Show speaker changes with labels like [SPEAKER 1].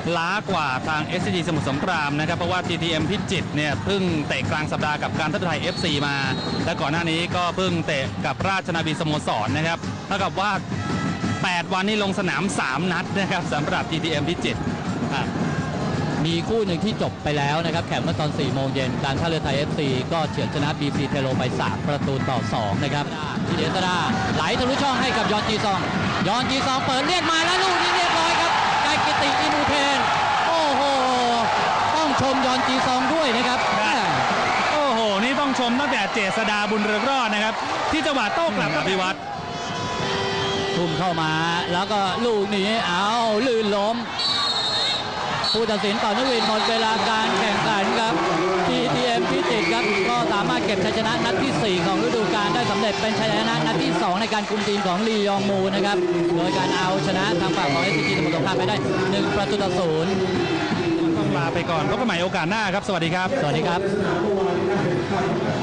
[SPEAKER 1] ล้ากว่าทาง SCG สมุทรสงครามนะครับเพราะว่า TTM พิจิตรเนี่ยเพิ่งเตะกลางสัปดาห์กับการท่าเรือไทย FC มาและก่อนหน้านี้ก็เพิ่งเตะกับราชนาวีสโมสรนะครับเท่ากับว่า8 วันนี้ลงสนาม 3 นัดนะครับสำหรับ TTM พิจิตร
[SPEAKER 2] มีคู่หนึ่งที่จบไปแล้วนะครับแข่งเมื่อตอน 4 โมงเย็นการท่าเรือไทย FC ก็เฉือนชนะ BC เทโลไป 3-2 นะครับทีเดสดาไหลทะลุช่องให้กับยอนจีซองเปิดเรียกมาแล้วลูกนี้เรียบร้อยครับได้กิติอินูเทนโอ้โหต้องชมยอนจีซองด้วยนะครับ
[SPEAKER 1] โอ้โหนี่ต้องชมตั้งแต่เจษดาบุญเรืองรอดนะครับที่จังหวะโต้กลับอภิวัตร
[SPEAKER 2] ทุ่มเข้ามาแล้วก็ลูกนี้เอาลื่นล้มผู้ตัดสินต่อนักวินหมดเวลาการแข่งขันครับ TTM พิจิตรครับก็สามารถเก็บชัยชนะนัดที่ 4 ของฤดูกาลได้สำเร็จเป็นชัยชนะนัดที่ 2 ในการคุมทีมของลียองมูนะครับโดยการเอาชนะทางฝั่งของ SCG สมุทรสงครามไปได้1-0
[SPEAKER 1] ต้องลาไปก่อนพบกันใหม่โอกาสหน้าครับสวัสดีครับ
[SPEAKER 2] สวัสดีครับ